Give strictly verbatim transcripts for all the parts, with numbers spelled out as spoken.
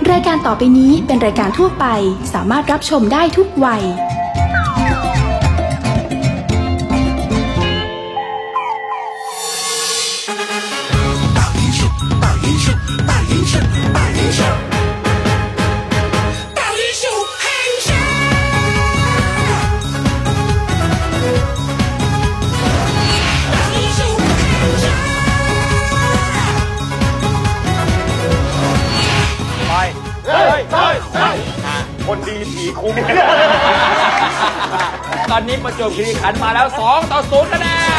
รายการต่อไปนี้เป็นรายการทั่วไปสามารถรับชมได้ทุกวัยคนดีผีคุ้มตอนนี้ประจวบคีรีขันธ์มาแล้วสองต่อศูนย์คะแนน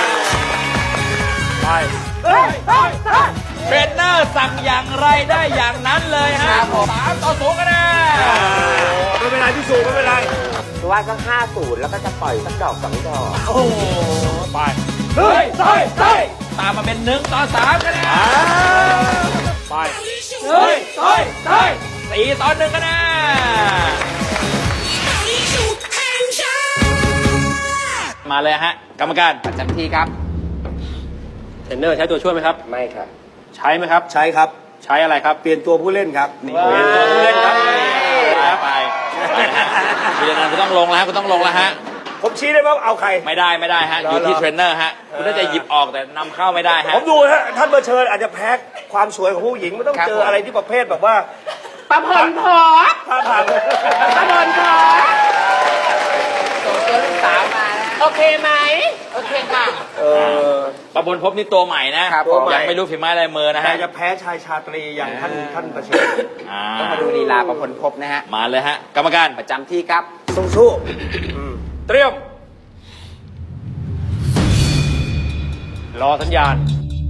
ไปเทรนเนอร์สั่งอย่างไรได้อย่างนั้นเลยฮะสามต่อศูนย์คะแนนไม่เป็นไรพี่สูไม่เป็นไรว่าก็ห้าศูนย์แล้วก็จะปล่อยสักดอกสองดอกโอ้โหไปเฮ้ยเฮ้ยเฮ้ยตามมาเป็นหนึ่งต่อสามคะแนนไปเฮ้ยเฮ้ยเฮ้ยสี่ต่อหนึ่งคะแนนมาเลยฮะกรรมการประจำที่ครับเทรนเนอร์ใช้ตัวช่วยไหมครับไม่ครับใช้ไหมครับใช่ครับใช้อะไรครับเปลี่ยนตัวผู้เล่นครับนี่เปลี่ยนตัวผู้เล่นครับไปไปฮะเรียนนั้นคุณต้องลงแล้วคุณต้องลงแล้วฮะผมชี้ได้ไหมว่าเอาใครไม่ได้ไม่ได้ฮะอยู่ที่เทรนเนอร์ฮะคุณน่าจะหยิบออกแต่นำเข้าไม่ได้ฮะผมดูฮะท่านเบอร์เชิญอาจจะแพ้ความสวยของผู้หญิงไม่ต้องเจออะไรที่ประเภทแบบว่าประพลพอท่าทางประพลพอส่งตัวลูกสาวมาโอเคไหมโอเคค่ะเออประบนพบนี่ตัวใหม่นะครับตัวใหม่ยังไม่รู้ฝีไม้ลายมือนะแต่ฮะจะแพ้ชายชาตรีอย่างท่านท่านเบอร์เชิญอ่าต้องมาดูลีลาประพลพบนะฮะมาเลยฮะกรรมการประจำที่ครับสู้สู้อืมเตรียมรอสัญญาณ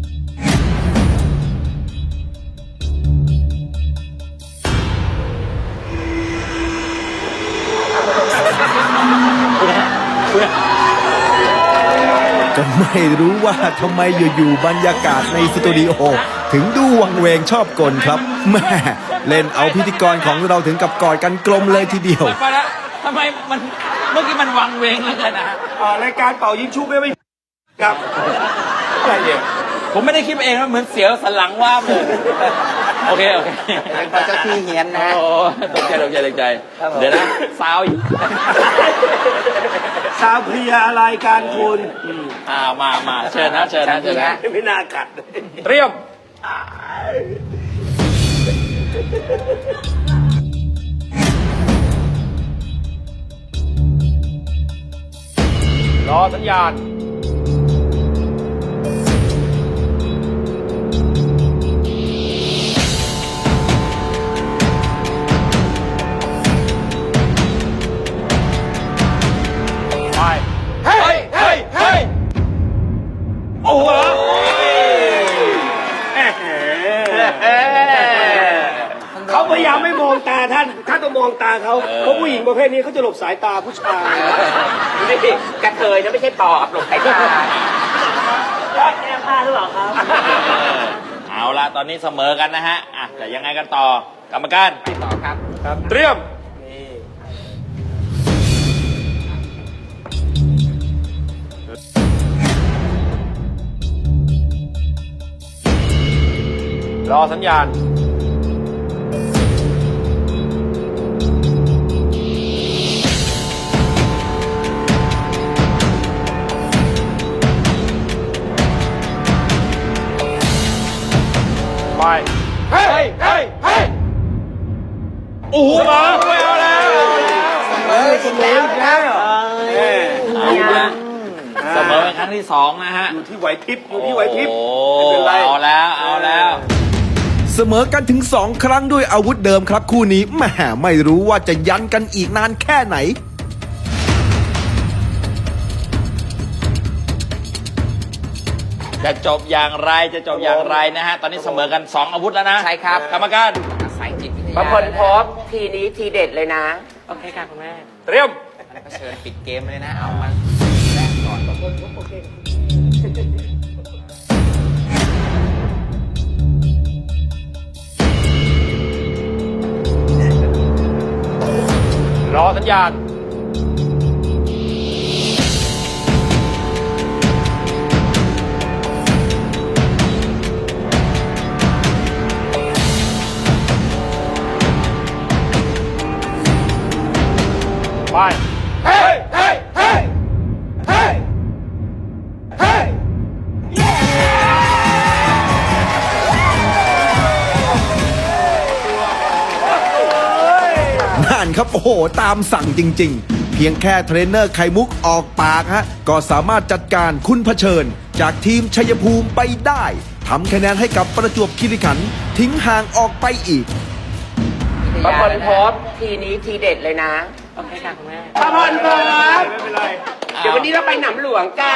ก็ไม่รู้ว่าทำไมอยู่ๆบรรยากาศในสตูดิโอถึงดูวังเวงชอบกลครับแม่เล่นเอาพิธีกรของเราถึงกับกอดกันกลมเลยทีเดียวไปแล้วทำไมมันเมื่อกี้มันวังเวงเหลยกันนะฮะอ่ารายการเป่ายิงชุบไม่ไม่ครับอะไรเนี่ยผมไม่ได้คิดเองนะเหมือนเสียวสันหลังว่าบเลยโอเคโอเคเป็นเพราะเจ้าที่เฮียนนะฮะโอ้ตกใจตกใจตกใจเดี๋ยวนะซาวอีกสาวเพลียอะไรการคุณอ่ามามาเชิญนะเชิญนะเชิญนะไม่น่ากัดเลยเตรียมรอสัญญาณไปเฮ้ยเฮ้ยเฮ้ยโอ้โหเขาพยายามไม่มองตาท่านท่านต้องมองตาเขาเพราะผู้หญิงประเภทนี้เขาจะหลบสายตาผู้ชายนี่กระเทยนะไม่ใช่ปอบหลบสายตาแก้ผ้าหรือเปล่าครับเอาละตอนนี้เสมอกันนะฮะอ่ะแต่ยังไงกันต่อกรรมการไปต่อครับเตรียมรอสัญญาณไปเฮ้ยเฮ้ยเฮ้ยโอ้โหมาไม่เอาแล้วเออจริงแล้วนะเอาละเสมอเป็นครั้งที่สองนะฮะอยู่ที่ไหวพริบอยู่ที่ไหวพริบโอ้ไม่เป็นไรเอาแล้วเอาแล้วเสมอกันถึงสองครั้งด้วยอาวุธเดิมครับคู่นี้แหมไม่รู้ว่าจะยันกันอีกนานแค่ไหนจะจบอย่างไรจะจบอย่างไรนะฮะ ตอนนี้เสมอกันสองอาวุธแล้วนะใช่ครับกรรมการอาศัยจิตวิทยาประพลพบทีนี้ทีเด็ดเลยนะ โอเคค่ะคุณแม่เตรียมแล้วก็เชิญปิดเกมเลยนะ เอามันแรกก่อนประพลพบโอเครอสัญญาณ ไปไปเฮ้ยเฮ้ยเฮ้ยเฮ้ยเฮ้ยนั่นครับโอ้โหตามสั่งจริงๆ เพียงแค่เทรนเนอร์ไข่มุกออกปากฮะก็สามารถจัดการคุณเผชิญ จากทีมชัยภูมิไปได้ทำคะแนนให้กับประจวบคีรีขันธ์ทิ้งห่างออกไปอีกป้าพรพบทีนี้ทีเด็ดเลยนะโอเคค่ะคุณแม่ป้าพรพบไม่เป็นไรเดี๋ยววันนี้เราไปหนำหลวงกัน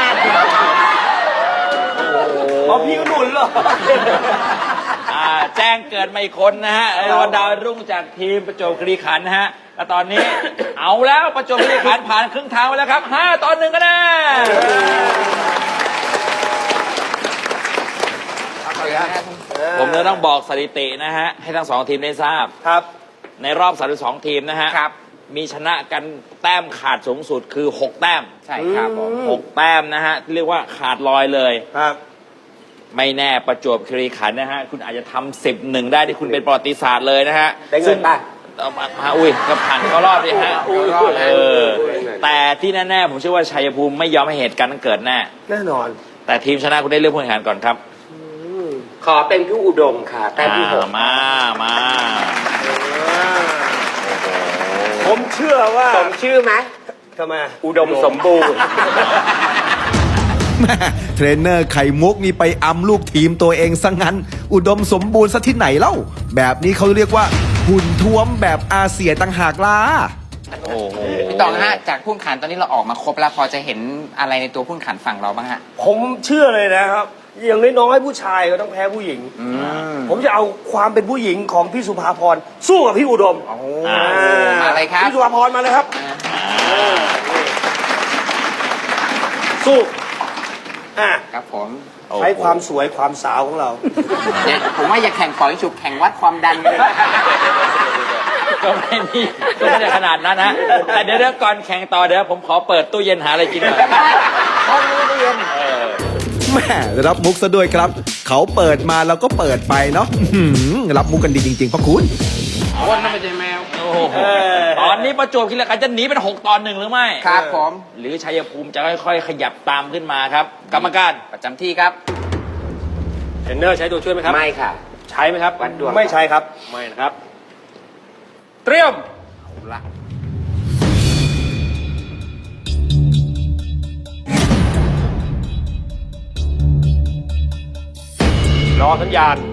อ๋อพี่ก็หนุนเหรออ่าแจ้งเกิดมาอีกคนนะฮะไอ้วันดาวรุ่งจากทีมประจวบคีรีขันธ์นะฮะและตอนนี้ เอาแล้วประจวบคีรีขันธ์ผ่านครึ่งทางไปแล้วครับห้าต่อหนึ่งคะแนนผมเลยต้องบอกสถิตินะฮะให้ทั้งสองทีมได้ทราบครับในรอบสามสิบสองทีมนะฮะครับมีชนะกันแต้มขาดสูงสุดคือหกแต้มใช่ครับผมหกแต้มนะฮะที่เรียกว่าขาดลอยเลยครับไม่แน่ประจวบคีรีขันธ์นะฮะคุณอาจจะทำสิบหนึ่งได้ที่คุณเป็นประวัติศาสตร์เลยนะฮะได้เงินป่ะเอามาฮะอุ้ยก็ผ่านเข้ารอบดิฮะอุ้ยเออแต่ที่แน่ๆผมเชื่อว่าชัยภูมิไม่ยอมให้เหตุการณ์นั้นเกิดแน่แน่นอนแต่ทีมชนะคุณได้เลือกผู้แข่งขันก่อนครับขอเป็นพี่อุดมค่ะแต้มที่หกอ่ามามาผมเชื่อว่าสมชื่อไหมทำไมอุดมสมบูรณ์แม่เทรนเนอร์ไข่มุกนี่ไปอำลูกทีมตัวเองซะงั้น อุดมสมบูรณ์ซะที่ไหนเล่า แบบนี้เขาเรียกว่าหุ่นท้วมแบบอาเซียต่างหากล่ะโอ้โหพี่ตองฮะจากพุ่นขันตอนนี้เราออกมาครบแล้วพอจะเห็นอะไรในตัวพุ่นขันฝั่งเราบ้างฮะผมเชื่อเลยนะครับ อย่างน้อยๆผู้ชายก็ต้องแพ้ผู้หญิง ผมจะเอาความเป็นผู้หญิงของพี่สุภาพรสู้กับพี่อุดมอ่ามาเลยครับพี่สุภาพรมาเลยครับสู้อ่ะครับผมใช้ความสวยความสาวของเราเนี่ยผมว่าอย่าแข่งปล่อยฉุบแข่งวัดความดันกันก็ไม่มีก็ไม่ได้ขนาดนั้นนะแต่เดี๋ยวเดี๋ยวก่อนแข่งต่อเดี๋ยวผมขอเปิดตู้เย็นหาอะไรกินหน่อยห้องนี้ตู้เย็นเออแม่รับมุกซะด้วยครับ เขาเปิดมาเราก็เปิดไปเนาะอื้อหือรับมุกกันดีจริงๆพ่อคุณคนนั่นไม่ใช่แมวโอ้โหตอนนี้ประจวบคีรีขันธ์จะหนีเป็นหกตอนหนึ่งหรือไม่ครับผมหรือชัยภูมิจะค่อยๆ ขยับตามขึ้นมาครับ กรรมการประจำที่ครับเทรนเนอร์ใช้ตัวช่วยไหมครับไม่ค่ะใช้ไหมครับวัดดวงไม่ใช้ครับ ไม่นะครับ เตรียม รอสัญญาณ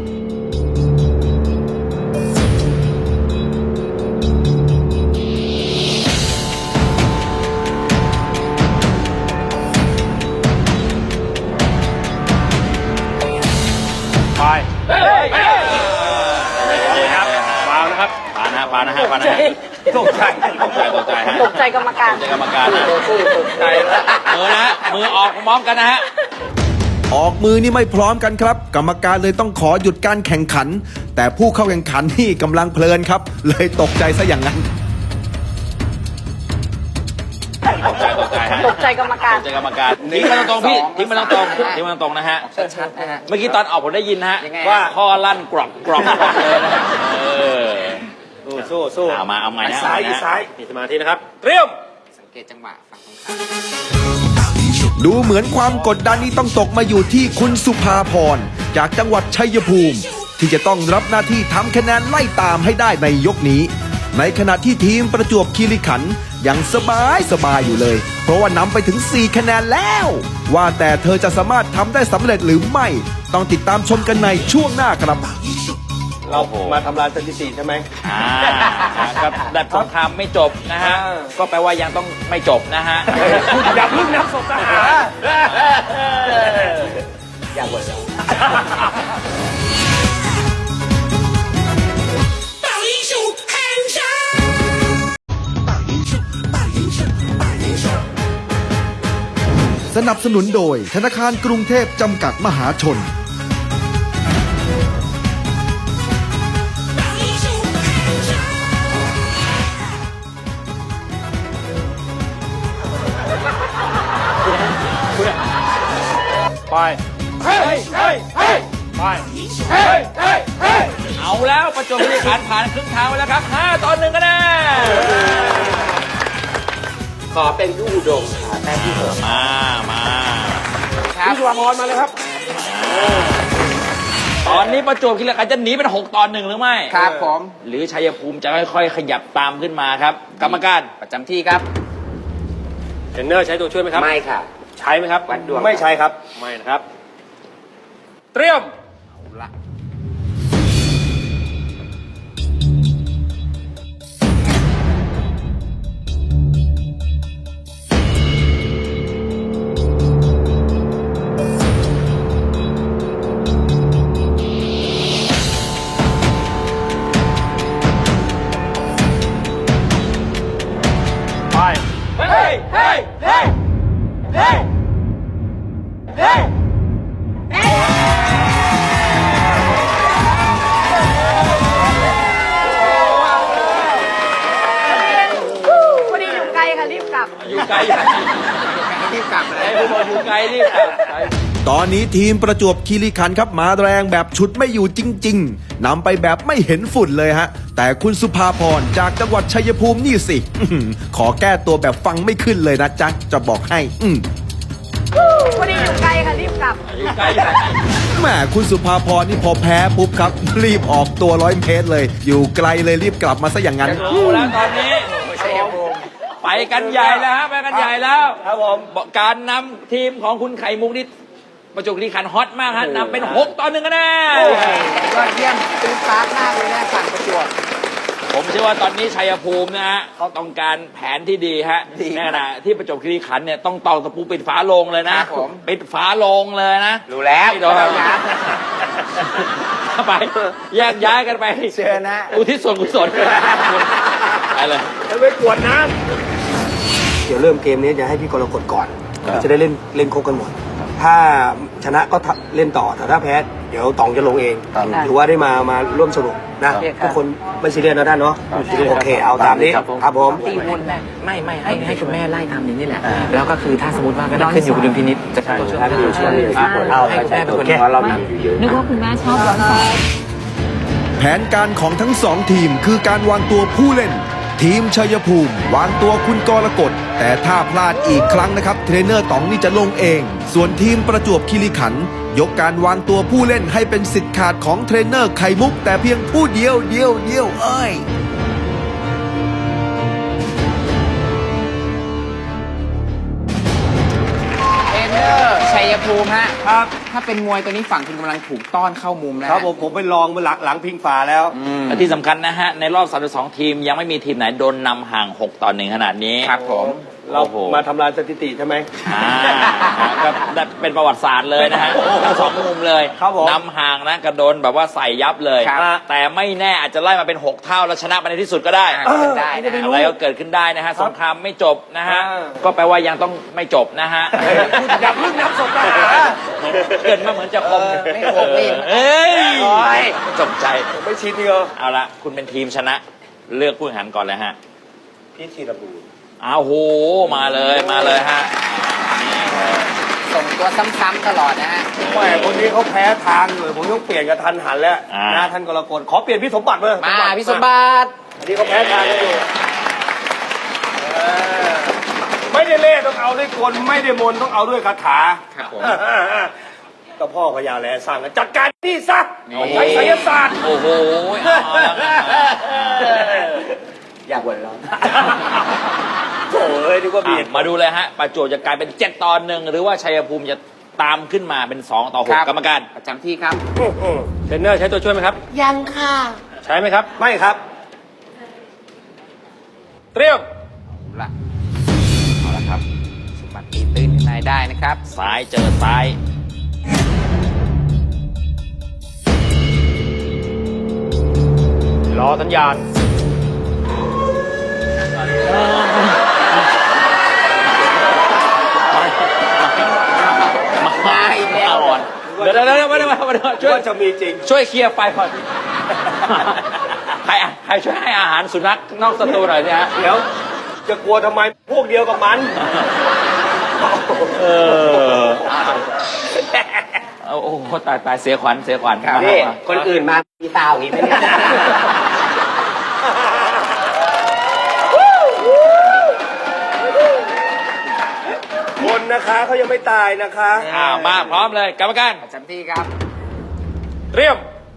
ไปเฮ้ยครับฟาวนะครับปานะฮะปานะฮะปานะฮะตกใจตกใจตกใจฮะตกใจกรรมการตกใจกรรมการนะตกใจมือนะฮะมือออกพร้อมกันนะฮะออกมือนี่ไม่พร้อมกันครับ กรรมการเลยต้องขอหยุดการแข่งขัน แต่ผู้เข้าแข่งขันนี่กำลังเพลินครับ เลยตกใจซะอย่างนั้นตกใจตกใจฮะตกใจกรรมการตกใจกรรมการทิ้งมาตรงๆพี่ทิ้งมาตรงๆทิ้งมาตรงๆนะฮะชัดๆนะฮะเมื่อกี้ตอนออกผมได้ยินนะฮะยังไงว่าข้อลั่นกรอบกรอบกรอบเลยนะฮะเออสู้สู้เอามาเอาใหม่นะซ้ายเอาใหม่นะซ้ายมีสมาธินะครับ เตรียมสังเกตจังหวะฝั่งตรงข้ามดูเหมือนความกดดันนี้ต้องตกมาอยู่ที่คุณสุภาพรจากจังหวัดชัยภูมิ ที่จะต้องรับหน้าที่ทำคะแนนไล่ตามให้ได้ในยกนี้ ในขณะที่ทีมประจวบคีรีขันธ์ยังสบายสบายอยู่เลย เพราะว่านำไปถึงสี่คะแนนแล้ว ว่าแต่เธอจะสามารถทำได้สำเร็จหรือไม่ ต้องติดตามชมกันในช่วงหน้าครับเรามาทำลายสถิติใช่ไหมอ่าครับดับสงครามไม่จบนะฮะอ่าก็แปลว่ายังต้องไม่จบนะฮะคุณอย่าเพึ่งนับศพทหารอย่าบ่นสนับสนุนโดยธนาคารกรุงเทพจำกัดมหาชนไป เฮ้ย เฮ้ย เฮ้ย ไป เฮ้ย เฮ้ย เฮ้ยเอาแล้วประจวบคีรีขันธ์ผ่านครึ่งทางไปแล้วครับห้าต่อหนึ่งคะแนนขอเป็นพี่อุดมค่ะแต้มที่หกมา มาพี่สุภาพรมาเลยครับตอนนี้ประจวบคีรีขันธ์จะหนีเป็นหกตอนหนึ่งหรือไม่ครับผมหรือชัยภูมิจะค่อยๆ ขยับตามขึ้นมาครับ กรรมการประจำที่ครับเทรนเนอร์ใช้ตัวช่วยไหมครับไม่ค่ะใช้ไหมครับวัดดวงไม่ใช้ครับ ไม่นะครับ เตรียม ไปเฮ้ย เฮ้ย เฮ้ย เฮ้ย เฮ้ยพอดีอยู่ไกลค่ะรีบกลับอยู่ไกลอยู่ไกลรีบกลับเลไอ้ยผู้บอกอยู่ไกลรีบกลับไปตอนนี้ทีมประจวบคีรีขันธ์ครับมาแรงแบบชุดไม่อยู่จริง ๆนำไปแบบไม่เห็นฝุ่นเลยฮะ แต่คุณสุภาพรจากจังหวัดชัยภูมินี่สิ อื้อหือขอแก้ตัวแบบฟังไม่ขึ้นเลยนะจ๊ะ จะบอกให้ อืมพอดีอยู่ไกลค่ะรีบกลับอยู่ไกลอยู่ไกลแหมคุณสุภาพรนี่พอแพ้ปุ๊บครับ รีบออกตัวร้อยเมตรเลย อยู่ไกลเลยรีบกลับมาซะอย่างนั้นเอาแล้วตอนนี้ไปกันใหญ่แล้วฮะไปกันใหญ่แล้วครับผมการนำทีมของคุณไข่มุกนี่ประจวบคีรีขันธ์ฮอตมากฮะนำเป็นหกต่อหนึ่งคะแนนยอดเยี่ยมตื่นตามากเลยนะฝั่งประจวบผมเชื่อว่าตอนนี้ชัยภูมินะฮะเขาต้องการแผนที่ดีฮะดีในขณะที่ประจวบคีรีขันธ์เนี่ยต้องตอกตะปูปิดฝาโลงเลยนะครับผมปิดฝาโลงเลยนะรู้แล้วไม่โดนไปแยกย้ายกันไปเชิญนะอุทิศส่วนกุศลไปเลยไปกวดน้ำเดี๋ยวเริ่มเกมนี้จะให้พี่กรกฎก่อน จะได้เล่นเล่นครบกันหมด ถ้าชนะก็เล่นต่อแต่ถ้าแพ้เดี๋ยวตองจะลงเองถือว่าได้มามาร่วมสนุกนะทุกคนไม่ซีเรียสนะท่านเนาะโอเคเอาตามนี้ครับผมตีวนแม่ไม่ไม่ให้ให้คุณแม่ไล่ทำอย่างนี้แหละ แล้วก็คือถ้าสมมติว่าก็ขึ้นอยู่กับดุลพินิจจะตัวช่วยให้คุณแม่เป็นคนเรานำอยู่เยอะนึกว่าคุณแม่ชอบร้อนแสงแผนการของทั้งสองทีมคือการวางตัวผู้เล่น ทีมชัยภูมิ วางตัวคุณกรกฎแต่ถ้าพลาดอีกครั้งนะครับ เทรนเนอร์ต๋องนี่จะลงเอง ส่วนทีมประจวบคีรีขันธ์ยกการวางตัวผู้เล่นให้เป็นสิทธิ์ขาดของเทรนเนอร์ไข่มุก แต่เพียงผู้เดียวเดียวเดียวเอ้ยเทรนเนอร์ชัยภูมิฮะครับถ้าเป็นมวยตัวนี้ฝั่งคุณกำลังถูกต้อนเข้ามุมแล้วครับผมผมไปลองมาหลังหลังพิงฝาแล้วและที่สำคัญนะฮะ ในรอบสามสิบสองทีมยังไม่มีทีมไหนโดนนำห่างหกต่อหนึ่งขนาดนี้ครับผมเราโอ้โหมาทำลายสถิติใช่ไหมอ่าก็ได้เป็นประวัติศาสตร์เลยนะฮะทั้งสองมุมเลยครับผมนำห่างนะกระโดนแบบว่าใส่ยับเลยครับแต่ไม่แน่อาจจะไล่มาเป็นหกเท่าแล้วชนะไปในที่สุดก็ได้อ่าเป็นได้นะอะไรก็เกิดขึ้นได้นะฮะสงครามไม่จบนะฮะอ่าก็แปลว่ายังต้องไม่จบนะฮะอย่าเพิ่งนับศพทหารเกิดมาเหมือนจะคมเออไม่คมนี่เอ้ยจบใจไม่ชินนี่เหรอเอาละคุณเป็นทีมชนะ เลือกผู้แข่งขันก่อนเลยฮะพี่ธีรบูรณ์อ้าวโหมาเลยมาเลยฮะส่งตัวซ้ำๆตลอดนะฮะแหมคนนี้เขาแพ้ทางเลยผมต้องเปลี่ยนกับทันหันแล้วอ่านะท่านกรกฎขอเปลี่ยนพี่สมบัติเลยมาพี่สมบัติอันนี้เขาแพ้ทางกันอยู่เออไม่ได้เล่ต้องเอาด้วยกลไม่ได้มนต์ต้องเอาด้วยคาถาครับผมก็พ่อพญาแลสร้างกันจัดการนี่ซะโอ้โหใช้ไสยศาสตร์โอ้โหเอาละอยากหัวเราะโถ่เอ้ยนึกว่าเบียดอ่ะมาดูเลยฮะประจวบจะกลายเป็นเจ็ดต่อหนึ่งหรือว่าชัยภูมิจะตามขึ้นมาเป็นสองต่อหคกรับกรรมการประจำที่ครับเทรนเนอร์ใช้ตัวช่วยไหมครับยังค่ะใช้ไหมครับ ไม่ครับ เตรียมเอาละเอาละครับสมบัติตีตื้นขึ้นมาได้นะครับซ้ายเจอซ้ายรอสัญญาณมาอีกแล้วอ่อนเดี๋ยวเดี๋ยวเดี๋ยวมาเดี๋ยวมาเดี๋ยวช่วยว่าจะมีจริงช่วยเคลียร์ไฟก่อนใครใครช่วยให้อาหารสุนัขนอกสตูหน่อยสิฮะเดี๋ยวจะกลัวทำไมพวกเดียวกับมันเออโอ้โหตายตายเสียขวัญเสียขวัญครับนี่คนอื่นมามีตาอย่างนี้ไหมเนี่ยเนะคะเขายังไม่ตายนะคะอ่ามาพร้อมเลยกรรมการประจำที่ครับเตรียม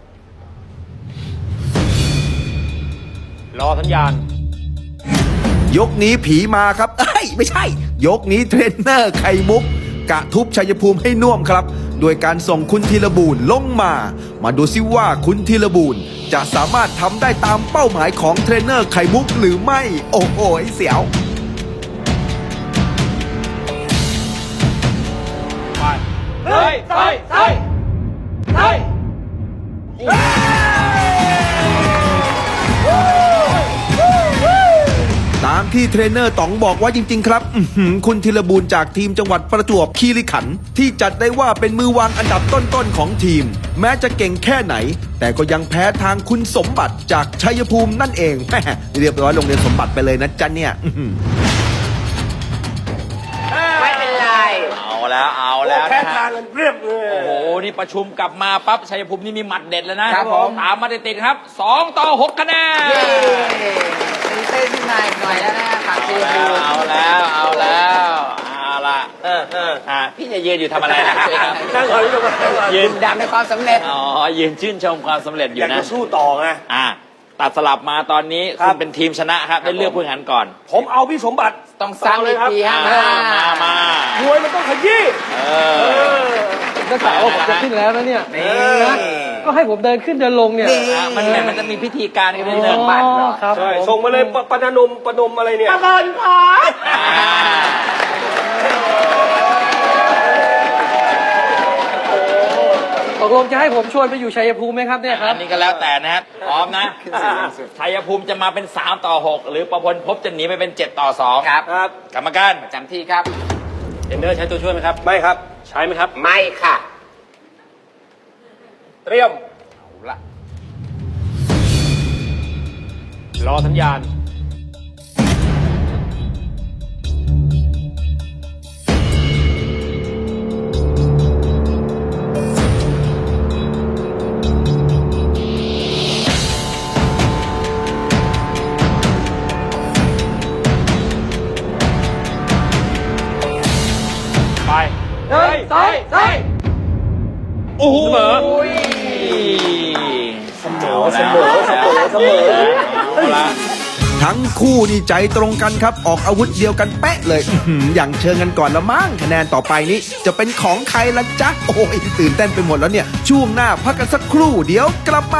รอสัญญาณยกนี้ผีมาครับเอ้ยไม่ใช่ ยกนี้เทรนเนอร์ไข่มุก กะทุบชัยภูมิให้น่วมครับโดยการส่งคุณธีรบูรณ์ลงมา มาดูซิว่าคุณธีรบูรณ์จะสามารถทำได้ตามเป้าหมายของเทรนเนอร์ไข่มุกหรือไม่ โอ้โหเสียวเฮ้ยเฮ้ยเฮ้ยเฮ้ยตามที่เทรนเนอร์ต๋องบอกว่าจริงๆครับอื้อหือคุณธีรบูรณ์จากทีมจังหวัดประจวบคีรีขันธ์ที่จัดได้ว่าเป็นมือวางอันดับต้นๆของทีม แม้จะเก่งแค่ไหน แต่ก็ยังแพ้ทางคุณสมบัติจากชัยภูมินั่นเองแหมเรียบร้อยโรงเรียนสมบัติไปเลยนะจ๊ะเนี่ยอื้อหือไม่เป็นไรเอาแล้วเอาแล้วแพ้นะทาฮะงกันเรียบเลยโอ้โห นี่ประชุมกลับมาปั๊บชัยภูมินี่มีหมัดเด็ดแล้วนะครับผมตามมาติดๆครับสองต่อหกคะแนนเย้ตีเต้นขึ้นมาอีกหน่อยแล้วนะฝั่งทีมเอาแล้วเอาแล้วเอาละเออเอออ่ะพี่จะยืนอยู่ทำอะไรนะครับนั่งคอยดูกันยืนดำในความสำเร็จอ๋อยืนชื่นชมความสำเร็จออยายู่กนะจะสู้ต่อไงอ่ะตัดสลับมาตอนนี้ครัคุบณเป็นทีมชนะครับได้เลือกผู้แข่งขันก่อนผมเอาพี่สมบัติต้องซ้ำอีกทีฮะอ่ามามามวยมันต้องขยี้เอเอออก็กล่าวว่าผมจะขึ้นแล้วนะเนี่ยนี่นะก็ให้ผมเดินขึ้นเดินลงเนี่ยอ่ะมันมันจะมีพิธีการกันนิดนึงอ๋อครับใช่ผมส่งมาเลยปปนนมปนมอะไรเนี่ยปนนขออ่าตกลงจะให้ผมชวนไปอยู่ชัยภูมิไหมครับเนี่ยครัอับนนี้ก็แล้วแต่นะฮะพร้อมนะชัยภูมิจะมาเป็นสามต่อหกหรือประพลพบจะหนีไปเป็นเจ็ดต่อสองครับครับกรรมการประจำที่ครับเทรนเนอร์ใช้ตัวช่วยไหมครับไม่ครับใช้ไหมครับไม่ค่ะเตรียมเอาละรอสัญญาณ ไป เฮ้ยเฮ้ยเฮ้ยโอ้โหเสมอเสมอเสมอเสมอเสมอเอาละทั้งคู่นี่ใจตรงกันครับออกอาวุธเดียวกันเป๊ะเลยอื้อหืออย่างเชิงกันก่อนละมั้งคะแนนต่อไปนี้จะเป็นของใครละจ๊ะโอ้ยตื่นเต้นไปหมดแล้วเนี่ยช่วงหน้าพักกันสักครู่เดี๋ยวกลับมา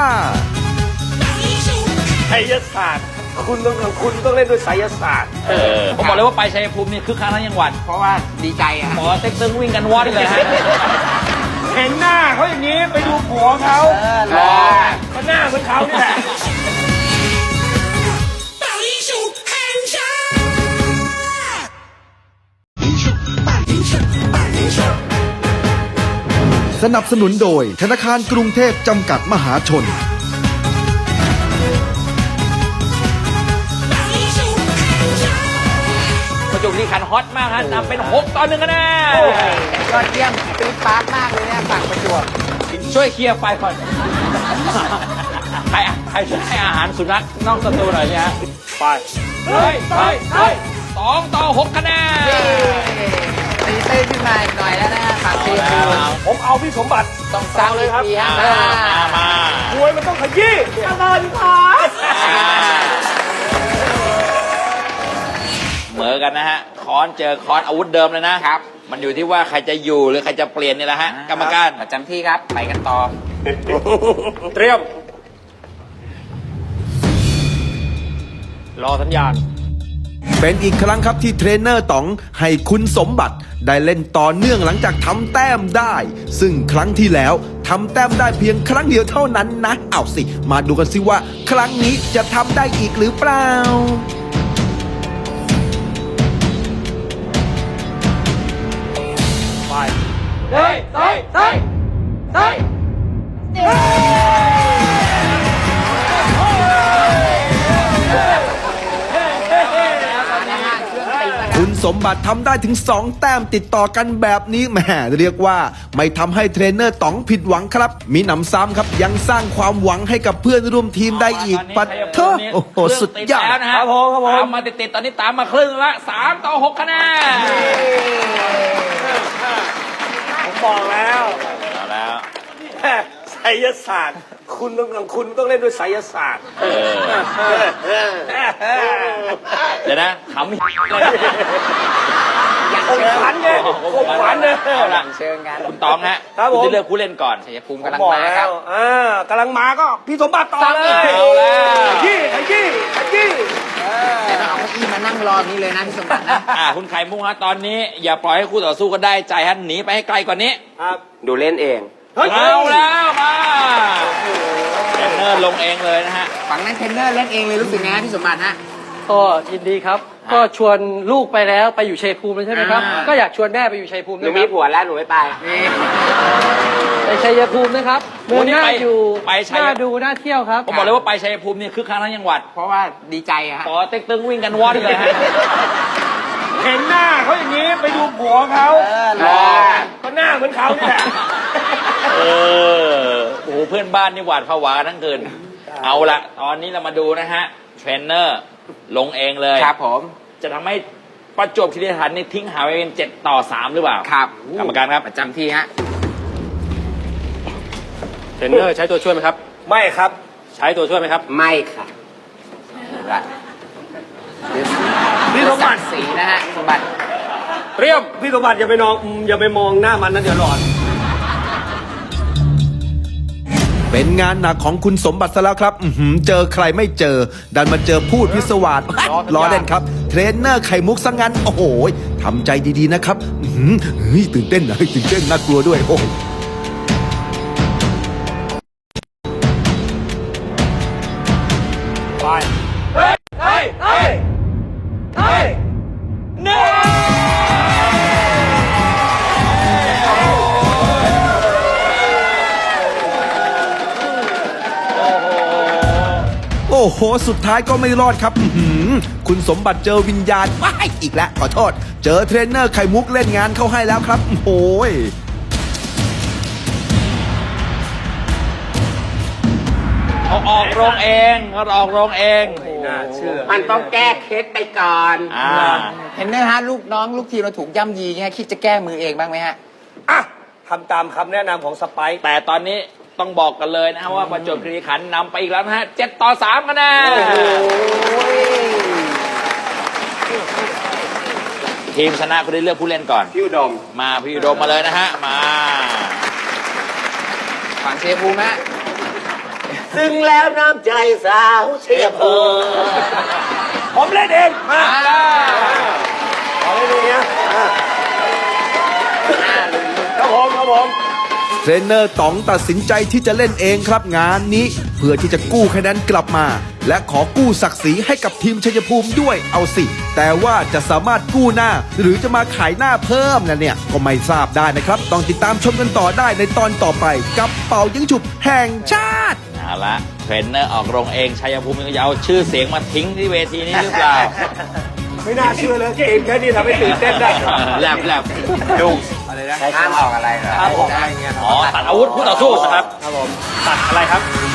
ไสยศาสตร์ คุณต้องคุณต้องเล่นด้วยไสยศาสตร์เออผมบอกเลยว่าไปชัยภูมินี่คึกคักทั้งจังหวัดเพราะว่าดีใจอะหมอเต็กตึงวิ่งกันวอดเลยฮะเห็นหน้าเขาอย่างนี้ไปดูผัวเขาเออรอก็หน้าเหมือนเขานี่แหละสนับสนุนโดยธนาคารกรุงเทพจำกัดมหาชนประจวบคีรีขันธ์ฮอตมากฮะนำเป็นหกต่อหนึ่งคะแนนยอดเยี่ยมปี๊ดปาร์ตมากเลยเนี่ยฝั่งประจวบช่วยเคลียร์ไฟก่อน ใครใครช่วยให้อาหารสุนัขนอกสตูหน่อยเนี่ยฮะไปเฮ้ยเฮ้ยเฮ้ยสองต่อหกคะแนนเย้ตีเต้นขึ้นมาอีกหน่อยแล้วนะฝั่งทีมผมเอาพี่สมบัติต้องซ้ำอีกทีฮะมามามามวยมันต้องขยี้ปนนขอเหมือกันนะฮะค้อนเจอค้อนอาวุธเดิมเลยนะครับ มันอยู่ที่ว่าใครจะอยู่หรือใครจะเปลี่ยนนี่แหละฮะกรรมการประจำที่ครับไปกันต่อเตรียม รอสัญญาณเป็นอีกครั้งครับที่เทรนเนอร์ต๋องให้คุณสมบัติได้เล่นต่อเนื่องหลังจากทำแต้มได้ ซึ่งครั้งที่แล้วทำแต้มได้เพียงครั้งเดียวเท่านั้นนะเอาสิ มาดูกันสิว่า ครั้งนี้จะทำได้อีกหรือเปล่าไปเฮ้ยเฮ้ยเฮ้ยเฮ้ยคุณสมบัติทำได้ถึงสองแต้มติดต่อกันแบบนี้แหมเรียกว่าไม่ทำให้เทรนเนอร์ต๋องผิดหวังครับ มีหนำซ้ำครับยังสร้างความหวังให้กับเพื่อนร่วมทีมได้อีกปัดเถอะโอ้โหสุดยอดแล้วนะฮะครับผมครับผมตามมาติดๆตอนนี้ตามมาครึ่งละสามต่อหกคะแนนผมบอกแล้วเอาแล้วไสยศาสตร์ คุณต้องคุณต้องเล่นด้วยไสยศาสตร์เออเดี๋ยวนะขำอะไรคงขวัญไงคงขวัญเนี่ยเอาละเชิญกันคุณตองฮะครับผมณจะเลือกผู้เล่นก่อนชัยภูมิผมกำลังบอกมาคแล้รับวอ่ากำลังมาก็พี่สมบัติต่อเลยเอาแล้วขยี้ขยี้ขยี้แต่ต้องเอาเก้าอี้มานั่งรอนี้เลยนะพี่สมบัตินะอ่าคุณไข่มุกฮะตอนนี้อย่าปล่อยให้คู่ต่อสู้ก็ได้ใจฮะหนีไปให้ไกลกว่านี้ครับดูเล่นเองเฮ้ยเอาแล้วมาเทรนเนอร์ลงเองเลยนะฮะฝั่งนั้นเทรนเนอร์เล่นเองเลยรู้สึกไงฮะพี่สมบัติฮะก็ยินดีครับ ก็ชวนลูกไปแล้วไปอยู่ชัยภูมิแล้วใช่ไหมครับอ่าก็อยากชวนแม่ไปอยู่ชัยภูมิหด้นูวยคมีรับผัวแล้วหนูไม่ไปนี่ไปชัยภูมินะครับโอ้เมืองนี่น่าไปอยู่ไปชัยน่าดูน่าเที่ยวครับผมบอกเลยว่าไปชัยภูมิเนี่ยคือครั้งทั้งจังหวัดเพราะว่าดีใจอะฮะปอเต็กตึงวิ่งกันว่อนเลยฮะเห็นหน้าเขาอย่างนี้ไปดูผัวเขารอก็หน้าเหมือนเขานี่แหละเออโอ้โหเพื่อนบ้านนี่หวาดผวาทั้งคืนเอาละตอนนี้เรามาดูนะฮะเทรนเนอร์ลงเองเลยครับผมจะทำให้ประจวบคีรีขันธ์นี่ทิ้งหายไปเป็นเจ็ดต่อสามหรือเปล่าครับกรรมการครับประจำที่ฮะเทรนเนอร์ใช้ตัวช่วยไหมครับไม่ครับใช้ตัวช่วยไหมครับไม่ค่ะพี่สมบัติสีนะฮะสมบัติเรียมพี่สมบัติอย่าไปนองอย่าไปมองหน้ามันนะเดี๋ยวหลอนเป็นงานหนักของคุณสมบัติซะแล้วครับอื้อหือเจอใครไม่เจอ ดันมาเจอพูดพิศวาสล้อเล่นครับ เทรนเนอร์ไข่มุกซะงั้น โอ้โหทำใจดีๆนะครับอื้อหือเฮ้ยตื่นเต้นนะเฮ้ยตื่นเต้นน่ากลัวด้วยโอ้โหไปเฮ้ยเฮ้ยเฮ้ยเฮ้ยหนึ่งโอ้โห สุดท้ายก็ไม่รอดครับอื้อหือคุณสมบัติเจอวิญญาณว้ายอีกแล้วขอโทษ เจอเทรนเนอร์ไข่มุกเล่นงานเข้าให้แล้วครับโอ้โหเขาออกโรงเองเขาออกโรงเองน่าเชื่อมันต้องแก้เคสไปก่อนอ่าเทรนเนอร์ฮะลูกน้องลูกทีมเราถูกย่ำยีเงี้ยคิดจะแก้มือเองบ้างไหมฮะอ่ะทำตามคำแนะนำของสไปค์แต่ตอนนี้ต้องบอกกันเลยนะฮะว่าประจวบคีรีขันธ์นำไปอีกแล้วนะฮะเจ็ดต่อสามคะแนนทีมชนะคุณได้เลือกผู้เล่นก่อนพี่อุดมมาพี่อุดมมาเลยนะฮะ มาฝั่งเชยภูมิฮะซึ่งแล้วน้ำใจสาวเชียร์ภูมิผมเล่นเองมาอ่าขอเล่นเองนะอ่ะครับผมครับผมเทรนเนอร์ต๋องตัดสินใจที่จะเล่นเองครับงานนี้ เพื่อที่จะกู้คะแนนกลับมา และขอกู้ศักดิ์ศรีให้กับทีมชัยภูมิด้วยเอาสิ แต่ว่าจะสามารถกู้หน้า หรือจะมาขายหน้าเพิ่มนะเนี่ยก็ไม่ทราบได้นะครับ ต้องติดตามชมกันต่อได้ในตอนต่อไปกับเป่ายิงฉุบแห่งชาติเอาละเทรนเนอร์ออกโรงเองชัยภูมิจะเอาชื่อเสียงมาทิ้งที่เวทีนี้หรือเปล่าไม่น่าเชื่อเลยเกมแค่นี้ทำให้ตื่นเต้นได้แลบแลบดูห้ามออกอะไรเหรอครับผมอะไรเงี้ยอ๋อตัดอาวุธคู่ต่อสู้นะครับครับผมตัดอะไรครับ